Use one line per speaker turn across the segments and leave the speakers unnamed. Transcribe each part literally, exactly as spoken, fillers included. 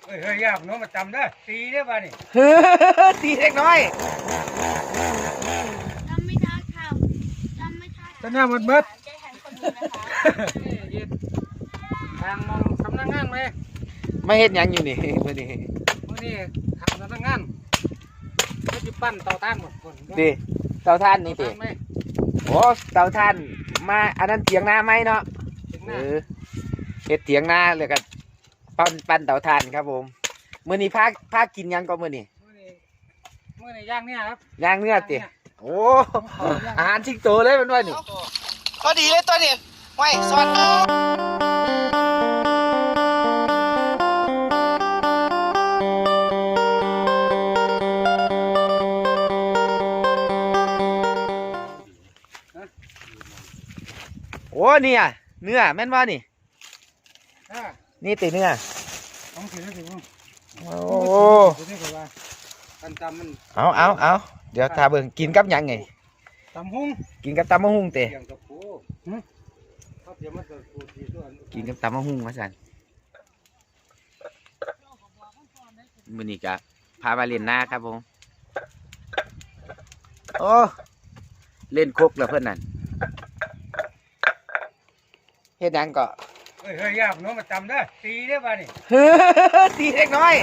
เฮ้ยเฮ้ยยากน้องมาจำได้ตีได้ป่ะนี่
ตีเล็กน้อย
จำไม่ได้ค่ะจำไม่ได้
จะหน้ามันเบิด
ใจแทนคนนี้นะคะ
ทางมองทำนักงานไหม
ไม่เห็นยังอยู่นี่มื่อนี้
มื่อนี้ทำนักงานไม่จะปั้นเตาถ่านหมดคน
ดิเตาถ่านนี่ดิโอ้เตาถ่านมาอันนั้นเถียงนาไหมเนาะเออเฮ็ดเถียงนาเลยกันปั้นปั้นเตาถ่านครับผมมื่อนี้พาพากินยังก็มื่อนี้
มื่อนี้ย่างเนี่ยครับ
ย่างเนื้อติโอ้อาหารชิงโตเลยมันว่านี่พอดีเลยตัวนี้ไว้สอนโอ้เนี่ยเนื้อแม่นว่านี่นี่ติเนื้อโอ้เอาเอาเอาเดี๋ยวทาเบิ่งกินกับยังไง
ตำหุ้ง
กินกับตำมะฮุ่งเตะกินกับตำมะฮุ่งมาสั่นมื้อนี้ก็พามาเล่นหน้าครับผมโอ้เล่นครกแล้วเพื่อนนั่นเฮ็ดยังก็
เฮ้ยเฮ้ยยากน้องมาจำได้ตีได้ป่ะนี่
ตีเล็กน้อย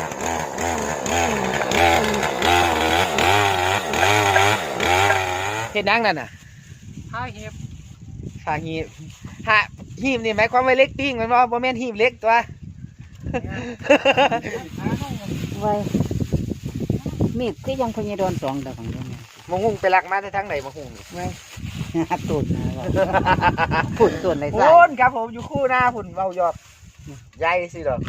เฮ็ดยังนั่นน่ะ
หาหีบ
หาหีบหาหีบนี่หมายความว่าเล็กปิ้งมันว่าบ่แม่นหีบเล็กตัว
ไว้มีดที่ยังพญดอนสองดอกของเดิม
มะฮุ่งไปลักมาได้ทั้งไหนมะฮุ่งนี่
ไว้หัดตุ่นผุ่นตุ่นในสาย
พุ่นครับผมอยู่คู่หน้าพุ่นเบายอดใหญ่สิดอก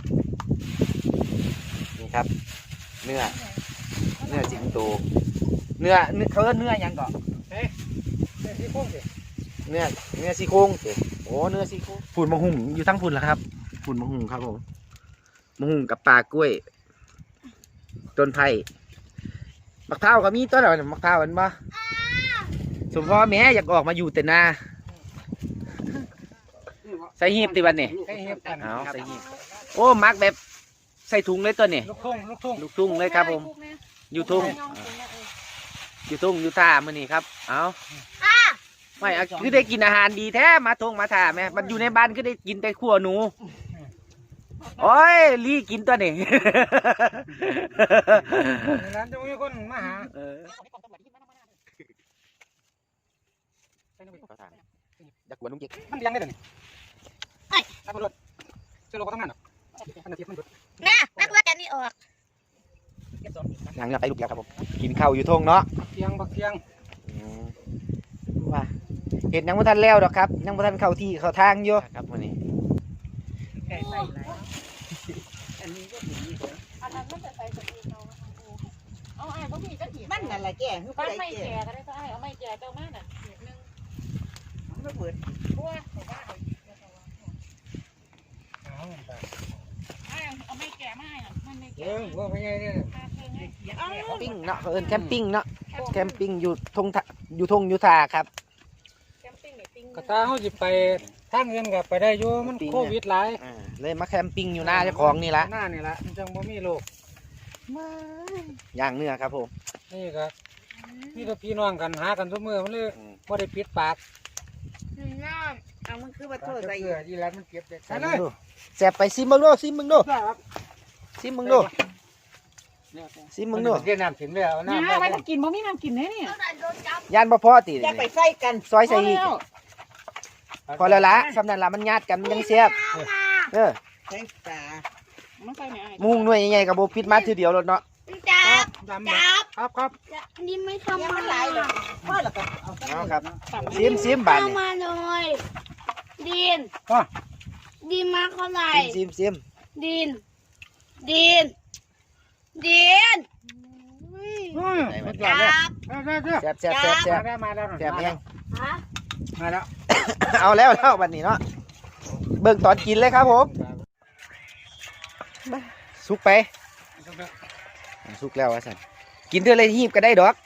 นี่ครับเนื้อเนื้อสิงโตเนื้อเขาเรียกเนื้อยังก่อน
เฮ้ยเนื้อซี่โครงสิ
เนื้อเนื้อซี่โครงสิโอ้เนื้อซี่โครงพุ่นมะฮุ่งอยู่ทั้งพุ่นแล้วครับพุ่นมะฮุ่งครับผมมะฮุ่งกับปลากล้วยต้นไผ่มะพร้าวก็มีต้นอะไรมะพร้าวมันบ่สมพ่อแม่อยากออกมาอยู่แต่นาใส่หีบติบันนี่
ใส่หีบกัน
เอาใส่หีบโอ้มักแบบใส่ถุงเลยตัวนี่
ลูกทุ่งลูกทุ่ง
ลูกทุ่งเลยครับผมอยู่ทุ่งอยู่ทุ่งอยู่ท่ามือนี่ครับเอาไม่คือได้กินอาหารดีแท้มาทงมาท่าแม่มันอยู่ในบ้านก็ได้กินแต่ขั่วหนูโอ้ยลี่กินตัวนี่
ร้านจะมีคนมาหา
อยากกวนลุงเจ๊ก
มันยังได้เลยไอ้นักบุญเจ้าโลก็ทำงานหรอมันเทียบมันบุญ
นะนักบุญแกนี่ออก
หลังจากไปลูกเดียวครับผมกินข้าวอยู่ทงเนาะ
เทียงบักเทียง
ว่าเห็นยังไม่ทันแล้วหรอกครับยังไม่ทันเข้าที่เข้าทางอยู่ครับวันนี้
ไก่ใส่ไรอันนี้ก็ผีอันนั้นไม่จะใส่สตีเขาเอาไอ้พวกพี่ก็ผีมันอะไรแก่คือไม่แก่ก็ได้ก็ไอ้เอาไม่แก่เจ้าแม่น่ะ
ไม่เปิด
บัวแต่ว่าเอาไม่แก่ไม่อ่ะมันไม่แก่
เออว่าเป็นไงเนี่ย
ปิ้งเนาะเอิญแคมปิ้งเนาะแคมปิ้งอยู่ทงอยู่ทงยุทธาครับ
กระตาเขาจิไปทางเงินกับไปได้โยมันโควิดหลาย
เลยมาแคมปิ้งอยู่หน้าเจ้าของนี่ละ
หน้านี่ละมันจังบ่มีโรค
ย่างเนื้อครับผม
นี่ครับนี่ก็พี่น้องกันหากันทุกมื้อมันเลยบ่ได้ปิดปาก
น้ำเอามันคือบัตรโทษใส่
เกลือที่ร้านมันเก็บเด็ดใช่เลย
แสบไปซิมมึงดูซิมมึงดูซิมมึงดูซิมมึงดู
เรียนน้ำถึงเลยเอาน้ำ
ไปถ้ากินบ่มีน้ำกินแน่เนี่ย
ยานบ่พอตี
อยากไปใส่กัน
ซอยใส่อีกพอแล้วละสำนักละมันญาติกันมันยังเสียบเออ
ใส่ตา
มุ้งหน่วยใหญ่ๆกับโบพิษมาทีเดียวรถเนาะ
จับจับ
ครับครับ
นี่ไม่ทำมันไหลเลยพ่อหรอครับ
เอาครับซิมซิมบานนี่
มาเลยดินดินมาเท่าไหร่
ซิมซิม
ดินดินดิน
จับแซ่บแซ่บแซ่บแซ่บ
มาแล้ว
แซ่บยัง
มาแล้ว
เอาแล้วแล้ววันนี้เนาะเบิ่งตอนกินเลยครับผมสุกไปสุกแล้ววะสันกินเท่าไรหีบก็ได้ดอก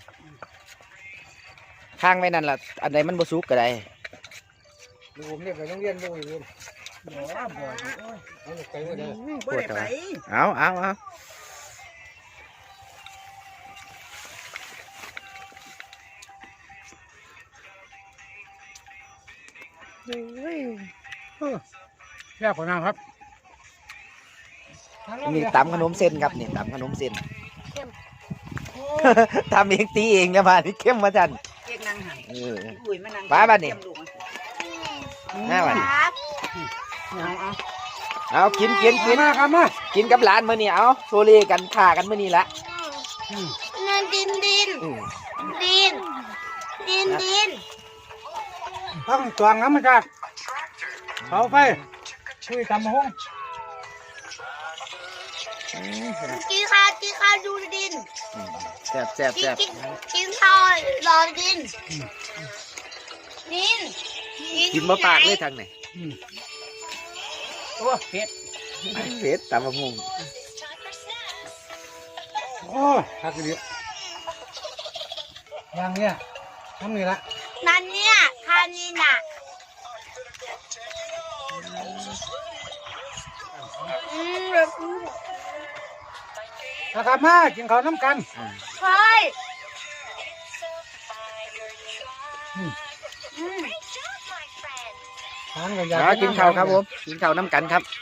ข้างไว้นั่นล่ะอันใดมันบ่สุกก็ได้
ดูผมเรียกไปโรงเรียนดูอยู่
ปวดอะไรเอาเอาเอา
แซ่บกว่าน้ำครับ
นี่ตำขนมเส้นครับนี่ตำขนมเส้นทำเองตีเองนะบ้านนี่เข้มมาจัน
เรียกนางหัน
เออ
อุ้ยมานั่ง
ป้าบ้านนี่ หน้าบ้าน
เอาเอา
เอากินกินกิน
มาครับมา
กินกับหลานมื้อนี้เอาโซเลกันฆ่ากันมื้อนี้ละ
นั่นดินดิน
อืม
ดินดินดิน
ต้องตวงน้ำมาจากเสาไฟคุยตำมะฮง
กินข้าวกินข้าวดูดิน
แซ่บแซ่บ
กิน
แซ่บ
กินกินข้าวรอดินดิน
กินมะปากเลยทางไหน
โอ้เผ็ด
เผ็ดตำมะม่วง
โอ้ยฮักดีอย่างเนี้ยทำนี่ละ
นั่นเนี่ยทานนี่น่ะอืมแบบ
นะครับมากินข้าวน้ำกัน
อ่า
เฮ้ย
อืม
อืม
ทานกันอยาก
เอากินข้าวครับผมกินข้าวน้ำกันครับ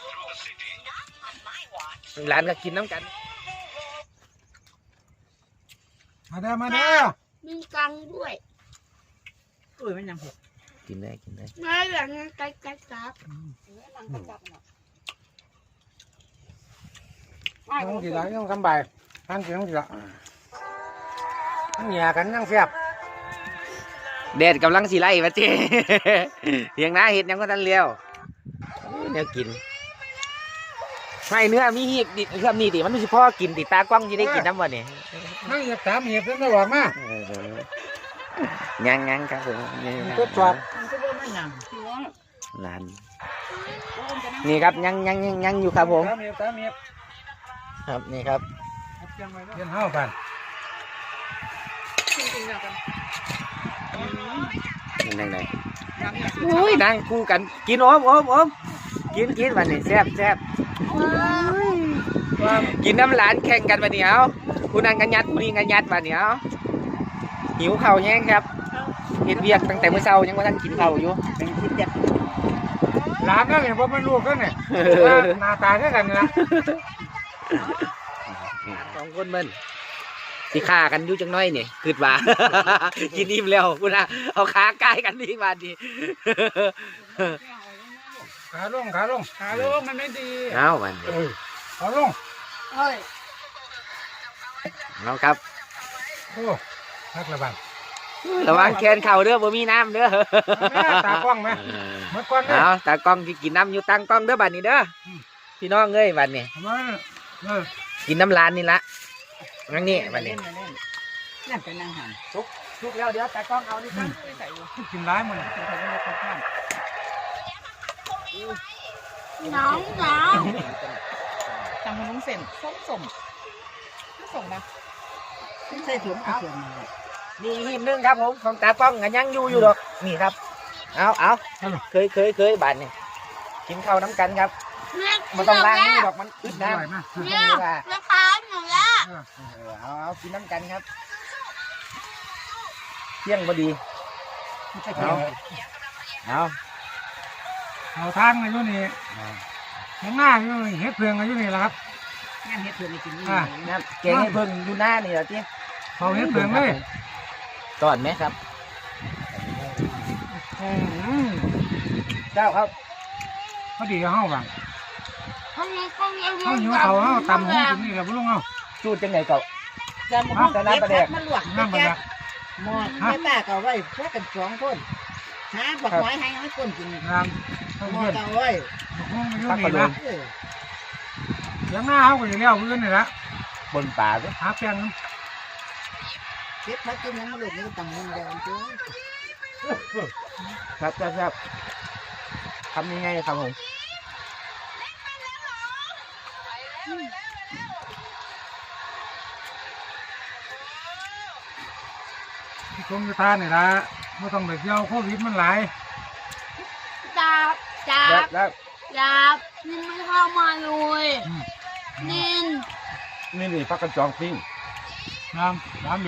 หลานก็กินน้ำกัน
มาเด้อมาเด้อ
มีกังด้วย
อุ้ยมันยังเผ็ด
กินได้กินได้
มาหลังนั้นไก่ไก่ครับ
ต้องกินละต้องกำใบทานกินต้องกินละต้องเหยียกันยังแซ่บ
แดดกำลังสีไล่มาเจ้เถียงนาเห็ดยังก็ทันเลี้ยวเนี่ยกินไม่เนื้อมีหีบดิเครื่องนี้ดิมันไม่ใช่พ่อกินติดตากล้องที่ได้กินน้ำวันนี้
นั่งเหยียบสามเหยียบเพิ่งได้บอกมา
ยังยังครับผม
ก็จอด
มันก็บ่มันยัง
หลานนี่ครับยังยังยังยังอยู่ครับผม
สามเหยียบสามเหยียบ
ครับนี่ครับ
เย็นห้าวกัน
นั่งไหนอุ้ยนั่งคู่กันกินโอมโอมโอมกินกินวันนี้แซ่บแซ่บกินน้ำหลานแข่งกันวันนี้เอาผู้นั่งกันยัดผู้นี้กันยัดวันนี้เอาหิวเข่าวแย่งครับเห็ดเวียกตั้งแต่เมื่อเช้ายังว่าท่านกินเข่าวอยู่
เป็นคิดจับ
หลานนั่นเนี่ยผมเป็นลูกกันเนี่ยหน้าตาแค่กันนะ
สองคนมันสิฆ่ากันอยู่จังน้อยนี่คืดว่า กินอิ่มแล้วคุณนะเอาขาใกล้กันดีมาดี
ขาลงขาลง
ขาโลกมันไม่ดี
เอามัน
เออขาลง
เฮ้ย
เอาครับ
โอ้ทักระบาด
ระวังแขนเข่าเด้อบ่มีน้ำเด้อ
ตากล้องไหมเมื่อก่อนเนี่ย
เอาตากล้องที่กินน้ำอยู่ตั้งกล้องเด้อบัดนี้เด้อพี่น้องเอ้ยบัดนี้
มาเออ
กินน้ำลานนี่ละงั้นนี่บัดนี้
นั่นเป็นนางหัน
ทุกแล้วเดี๋ยวตากล้องเอานี่ครับ
ใส่อยู่
กินร้ายมัน
ใส่ไปในข้าวปั้น
น้องน้อง
ทำขนมเส้นส้มส้มส้มนะใส่ถุงเอา
นี่หีบหนึงครับผมของตากล้องกันยังอยู่อยู่ดอกนี่ครับเอาเอาเคยเคยเคยบัดนี้กินข้าวน้ำกันครับ
เนี่ย
มันต้องล้างนี่ดอกมันอึด
อ
น้ำ
ร่อยมาก
เนี่ยราคาหนูละ
เออ
เออเอาเอากินน้ำกันครับเที่ยงพอดี
เอา
เอา
เอาทานกันอยู่นี่ข้างหน้าอยู่นี่เฮ็ดเพืองกันอยู่นี่แหละครับ
งานเฮ็ดเพื่อนไม่กินนี่
อ่า
น้ำแกงให้เพิ่งดูหน้านี่เหรอที่
เขาเฮ็ดเพืองเลย
ก่อนไหมครับ
อืม
เจ้าครับ
พอดีเอาเฮาบัง
ข้างนี้ข้างนี้
เฮาหิวเขาเฮาตำหูกินนี่แหละบ่ลุงเฮา
จูดจังไหนเก่า
จะมาเก็บพักมาลวก
น้ำมัน
แก๊
ละ
หมอแม่ป้าก็ไว้พวกกันสองคนหาบักไม้ให้ให้คนกิน
น้ำเขา
หมอ
เย็น
ก็ไว้
ห้องอยู่นี่นะ
เออ
เสียงหน้าเฮาก็อยู่แล้วเพื่อนนี่ละ
บนป่าด้วย
หาแป้งน้
เก็บพักกินยังมาลูกนี่ตำมึงเดียวจ้ะ
ครับครับครับทำยังไงครับผม
ำที่คงจะทานนี่ละไม่ต้องไปเที่ยวโควิดมันหลาย
จ้าจ้า
เดี๋ยวแล้ว
ยับนินไม่เข้ามาเลยนิน
นี่นี่พักกันจองปิ้ง
น้ำน้ำเลย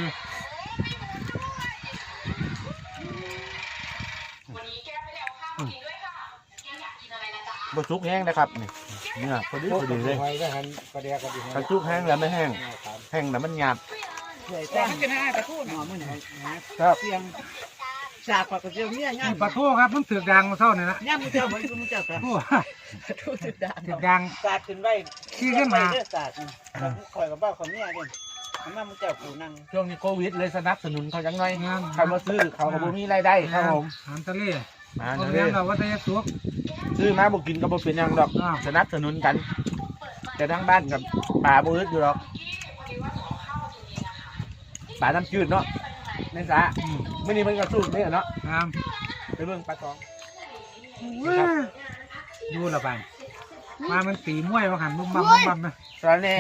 บะซุกแห้งนะครับนี่เนี่ยพอดีพอดีเลย
ไว้ก็หันประเดี๋ยวก็ดี
กระซุกแห้งแล้วไม่แห้งแห้งแล้วมันหยาบ
แต่มันจะน่ากระทู้หนอมื้อนี้
ครับ
เสียงสากกระเจียวเนี่ยย่า
นี่ปลาทูครับมันถือกดังมาเท่านี่นะ
ย่ามึงเจ้าบ่มึงเจ้าครับ
ทู
กระทู้สุดดาน
ถือกดัง
สาดขึ้นไว้
ขี้ขึ้นมา
เด้อสาดคอยกับบ้าของเนี่ยเด้อมามึงเจ้ากูนั่ง
ช่วงนี้โควิดเลยสนับสนุนเขาจังไง
งาน
ใครมาซื้อเขาก็บ่มีรายได้ครับผม
อาหารทะเล
มา
โรง
เล
เรียน
ย
เราวัฒนสุข
ซื้อมาบ่กินก็บ่เป็นหยังดอก
อ้าว
สนับสนุนกัน แต่ทั้งบ้านกับป่าบ่อึดอยู่หรอกป่าน้ำจืดเนาะในสระ
อืม
ไม่นี่มันก็สู้เนี่ยเนาะ
น้
ไปเบิ่งปลาตอง
ำดูละบานมามันตีมวยมาหันมุมบัมมุมบัมนะ
ตอนนี้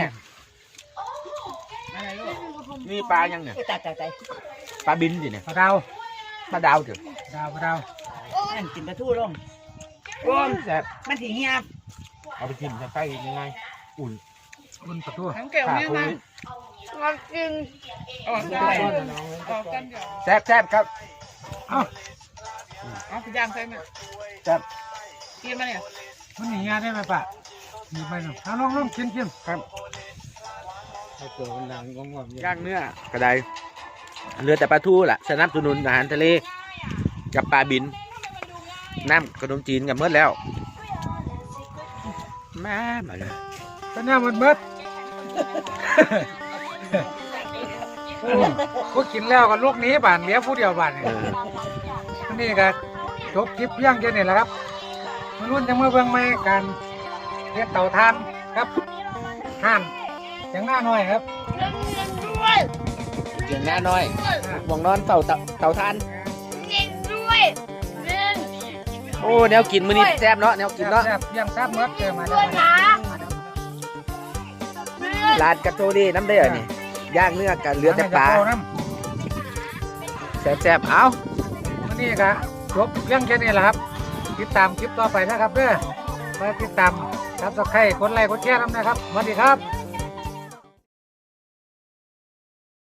อะไรลูก
นี่ปลายังเนี่ย
ตายตายตาย
ปลาบินสิเนี่ย
ปลาดาว
ปลาดาวเถอะ
ดาวปลาดาว
นั่นกินกระทู้ลง
โอ้ยแซ่บ
มันสิเงียบ
เอาไปกินใกล้ๆยังไงอุ่น
บนประตู
ทั้งแก้วเนี่ยนะ
มากิน
ออกกันออกกันเดี๋ยว
แซ่บแซ่บครับ
เอ้า
เอาไปย่างใส่ไหม
แซ่บ
กินมาเนี่ย
มันหนีงานได้ไหมปะหนีไปหน่อยเอาลองลองกินกิน
ครับ
ไอ้ตัวมันดังงงง
ย่างเนื้อกระไดเรือแต่ปลาทูล่ะสนับสนุนอาหารทะเลกับปลาบินน้ำขนมจีนกับเมื่อแล้วมามาเลย
ก็เนี่ยมันเบิดก็กินแล้วก็ลูกนี้บ้านเหลี้ยผู้เดียวบ้านนี่
เออ
อันนี้ก็จบคลิปเพียงแค่นี้แหละครับมาลุ้นจะมาเบิ่งใหม่การเรียกเต่าทานครับห่านอย่างหน้าหน่อยครับ
เล่นเล่นด้วย
เสียงหน้าน้อยหวงนอนเต่าเต่าเต่าทาน
เล่นด้วยเล่น
โอ้แนวกินมื้อนี้แซ่บเนาะแนวกินเนาะ
แซ่บๆเพียงแซ่บเมื่อเจอมา
ด้
ได้
วยนะเล่น
ร้านกระโจดีน้ำเดือดนี่ย่างเนื้อกับเรือแต่ปลา
น้
แซ่บๆเอา
ำวันนี้ก็จบเพียงแค่นี้แหละครับ ติดตามคลิปต่อไปนะครับเด้อมาติดตามซับสไครต์กดไลค์กดแชร์น้ำนะครับสวัสดีครับ